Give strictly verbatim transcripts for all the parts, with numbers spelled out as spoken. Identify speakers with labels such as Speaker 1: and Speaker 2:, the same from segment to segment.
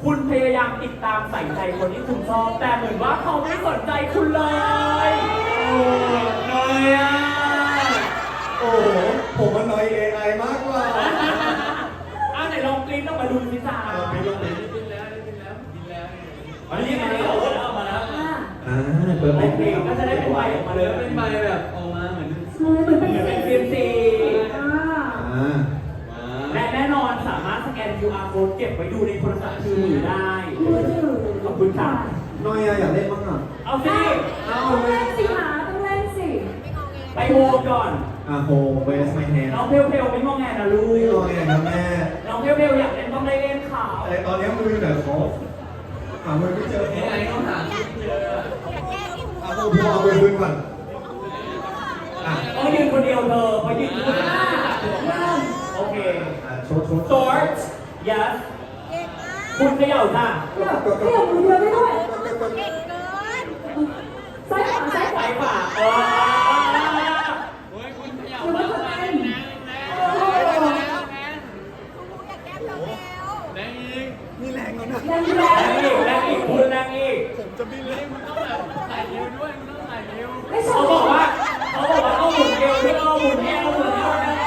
Speaker 1: คุณพยายามติดตามใส่ใจคนที่คุณชอบแต่เหมือนว่าเขาไม่สนใจคุณเลย
Speaker 2: โอ้น้อยอ่ะโอ้ผมมันน้อย เอ ไอ มากกว่า
Speaker 1: อ่ะไหนลองกลิ้นต้องมาดูสิจ้า
Speaker 2: ไปลงไป
Speaker 3: กินแล้วกินแล้วกินแล้ว
Speaker 1: อันนี้มาแล้วเอามาแล้ว
Speaker 2: อ่าเปิดเพลง
Speaker 1: ก็จะได้เป็นใบออกมาเลย
Speaker 3: เป็นใบแบบออกมาเหมือน
Speaker 4: เหมือนเป็น
Speaker 1: เป็นเซียมซีและแน่นอนสามารถสแกน คิว อาร์ code เก็บไว้ดูในโทรศัพท์มือถือได้ขอบคุณค่ะ
Speaker 2: น้อยอยากเล่นบ้างอ่ะ
Speaker 1: เอาสิ
Speaker 4: เอาต้องเล่นสิหาต้องเล่นสิ
Speaker 1: ไปโฮมก่อน
Speaker 2: อ่ะโฮเวสไมแฮน
Speaker 1: น้องเพลเพลไม่งงแงนะลูก
Speaker 2: ไม่งงแงครับแม่
Speaker 1: น้องเพลเพลอยากเล่นต้องได้เล่นข่าว
Speaker 2: แต่ตอนนี้มือแต่ขอหามือไม่เจอ
Speaker 3: เอไอต้องหาไม่เจอ
Speaker 2: เอาพวกพวกเอาไปพื้นก่อน
Speaker 1: อ่ะก็ยืนคนเดียวเธอพอยืนคนเดียวโอเค
Speaker 2: โชว์โชว์
Speaker 1: short yes คุณเขย่าค่ะ
Speaker 4: เดี๋ยวเดี๋ยวมือเดียวได้ด้วยซ้ายขวาซ้ายขวา
Speaker 1: ซ้ายขวาเออ
Speaker 3: โอ้ยคุณเขย่า
Speaker 4: แล้
Speaker 3: แล้ว ว
Speaker 4: ก็
Speaker 3: แร
Speaker 4: เต้
Speaker 3: ง
Speaker 4: น
Speaker 3: แรงอีก
Speaker 2: นี่แรงแล้วนะ
Speaker 4: แรงแร
Speaker 1: แรง งอีกแรงอีกคุณแรงอีก
Speaker 2: ผมจะบินเลย
Speaker 3: มึงต้องแบบถ่ายเร็วด้วยมึงต้องถ่ายเร็ว
Speaker 1: เขาบอกว่าเขาบอกว่าต้องหมุนเอวด้วยเอาหมุนเอวหมุนเอวนะ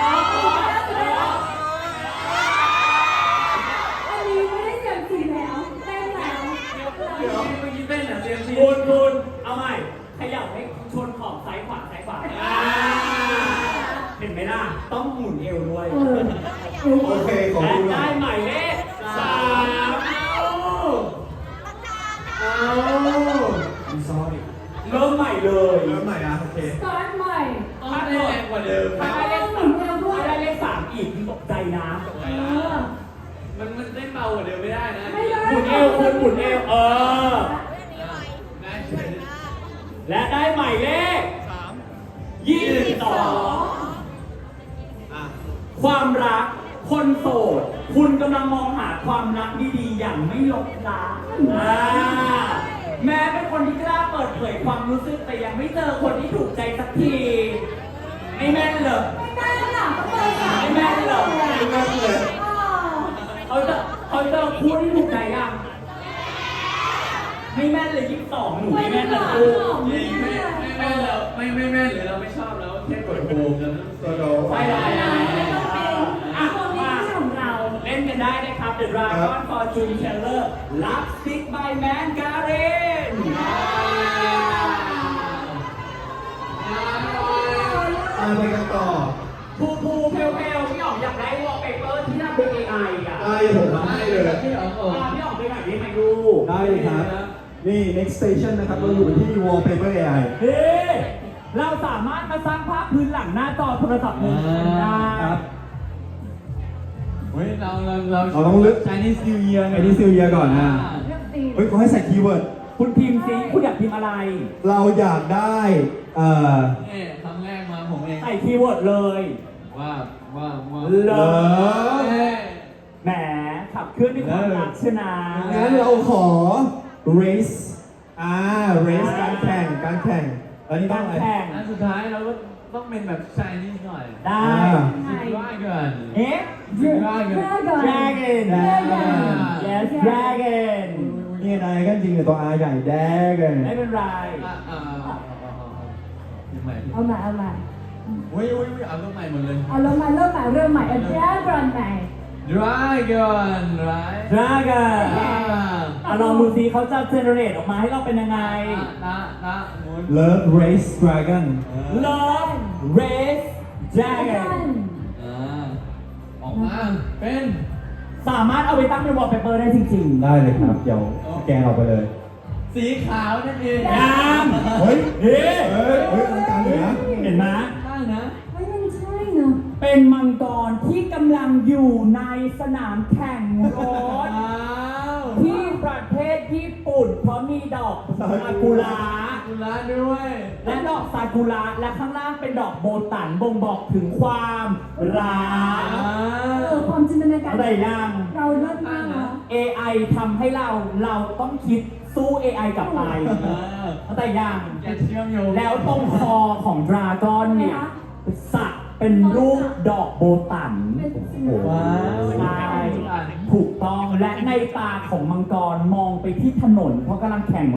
Speaker 4: อันนี้ไม่ได้เสียงสีแล้วเต้นแล้ว
Speaker 3: เดี๋ยวเมื่อกี้เต้นอ่ะเซียมซี
Speaker 1: คุณคุณเอาใหม่ขยับให้ชนขอบซ้ายขวาซ้ายขวาเห็นไหมล่ะต้องหมุนเอวด้วย
Speaker 2: โอเคขอบคุณ
Speaker 1: ได้หมายเลขสาม
Speaker 2: เอาI'm sorry
Speaker 1: เริ่มใหม่เลย
Speaker 2: เริ่มใหม่อ่ะโอเค
Speaker 4: สตาร์ทใหม่
Speaker 3: ต้องแรงกว่าเดิม
Speaker 1: ถ้าได้เลขสามถ้าได้เลขสามอีกตกใจนะ
Speaker 4: เออ
Speaker 3: มันมันเต้นเบากว่าเดิมไม่ได้นะ
Speaker 4: ไม่ได้
Speaker 1: หมุนเอวคุณหมุนเอวเออ
Speaker 3: ได้เฉย
Speaker 1: และได้หมายเลขยี่สิบสองความรักคนโสดคุณกำลังมองหาความรักดีๆอย่างไม่ลบล้างอ่าแม้เป็นคนที่กล้าเปิดเผยความรู้สึกแต่ยังไม่เจอคนที่ถูกใจสักทีไม่แม่นเลย
Speaker 4: ไม่ได้หรอกต้องเปิดค่ะ
Speaker 1: ไม่แม่นเลยไม่แม่นเลยเขาจะเขาเจอคู่ที่ถูกใจยังไม่แม่นเลยยี่สิบสองหนูไม่แม่นเลยคู่
Speaker 3: จริงไม่ไม่แม่นเราไม่ไม่แม่นหรือเราไม่ชอบแล้วแค่กดโฮมแล้วตัวเรา
Speaker 1: ไม่ได้อ่ะมาเล่นกันได้นะครับ The Dragon Fortune Teller Lipstick by Mandarin
Speaker 2: อ่าไปกันต่อ
Speaker 1: ภูภูเพลเพลพี่อ๋องอยากได้วอลเปเปอร์ที่ทำเป็น เอ ไอ อ่ะ
Speaker 2: ได้ผมทำให้เลย
Speaker 3: พี่อ๋องโอ้
Speaker 1: พี่อ๋องไปไหนได้ไหมดู
Speaker 2: ได้เลยครับนี่ next station นะครับเราอยู่ที่ wallpaper เอ ไอ
Speaker 1: เฮ้เราสามารถมาสร้างภาพพื้นหลังหน้าจอโทรศัพท์มือถือได้ครับ
Speaker 3: เฮ้ยเราเราเรา
Speaker 2: เราต้องเลือก
Speaker 3: Chinese New Year
Speaker 2: ไอ้นี่ซิลเยียก่อนนะเฮ้ยเขาให้ใส่คีย์เวิร์ด
Speaker 1: คุณพิมพ์ซิคุณอยากพิมพ์อะไร
Speaker 2: เราอยากได้เอ่อ
Speaker 3: เนี่ยครั้งแรกมาผมเอง
Speaker 1: ใส่คีย์เวิร์ดเลย
Speaker 3: ว่าว่าว่า
Speaker 1: เลิฟ
Speaker 3: เอ้ย
Speaker 1: แหมขับเคลื่อนด้วยความรักชนะ
Speaker 2: งั้นเราขอ race อ่า race การแข่งการแข่งแล้วนี่ต้องอะไร
Speaker 1: แข่ง
Speaker 3: อันสุดท้ายเราก็ต้องเป็นแบบ Chinese หน่อย
Speaker 1: ได้
Speaker 3: สิบว่าเกิน
Speaker 1: เอ๊ะ
Speaker 3: สิบว่าเกิน
Speaker 1: Dragon
Speaker 2: Dragon
Speaker 1: Yes Dragon
Speaker 2: นี่นายกันจริงแต่ตัว R ใหญ่ Dragon
Speaker 1: ไม่เป็นไร
Speaker 3: อ่าอ่าอ่ายังไง
Speaker 4: เอาใหม่เอาใหม่
Speaker 3: เฮ้ยเฮ้ยเอาเริ่มใหม่หมดเลย
Speaker 4: เอาเริ่มใหม่เริ่มใหม่เริ่มใหม่เอาแจ๊กรอนใหม่
Speaker 3: Dragon right
Speaker 1: Dragon อ่ะลองดูซิเขาจะเจเนเรตออกมาให้เราเป็นยังไง
Speaker 3: นะนะหมุน
Speaker 2: Love Race Dragon
Speaker 1: Love Race Dragon
Speaker 3: อ่าออกมาเป็น
Speaker 1: สามารถเอาไปตั้งเป็นวอลเปเปอร์ได้จริงๆ
Speaker 2: ได้เลยครับ เดี๋ยวสแกนออกไปเลย
Speaker 3: สีขาวนั่นเอง
Speaker 1: งาม
Speaker 2: เฮ้ย
Speaker 1: เฮ้ย
Speaker 2: เฮ้ยเฮ้ยอลังการเลยนะ
Speaker 1: เห็นไหม
Speaker 3: ได้นะ
Speaker 4: ไม่มันใช่เนาะ
Speaker 1: เป็นมังกรที่กำลังอยู่ในสนามแข่งรถ
Speaker 3: ว้าว
Speaker 1: ที่ประเทศญี่ปุ่นเพราะมีดอกซากุระ
Speaker 3: กุลาด้วย
Speaker 1: และดอกซากุระและข้างล่างเป็นดอกโบตันบ่งบอกถึงความรัก
Speaker 4: เออความจินตนาการ
Speaker 1: อะไรยัง
Speaker 4: เราเลิศมากเนาะ
Speaker 1: เอ ไอ ทำให้เราเราต้องคิดสู้ เอ ไอ กลับไปเข้าใจยัง
Speaker 3: จะเชื่อมโยง
Speaker 1: แล้วตรงคอของดราก้อนเนี่ยสักเป็นรูปดอกโบตัน
Speaker 4: เป็นสี
Speaker 2: ว้าว
Speaker 1: ใช่ถูกต้องและในตาของมังกรมองไปที่ถนนเพราะกำลังแข่ง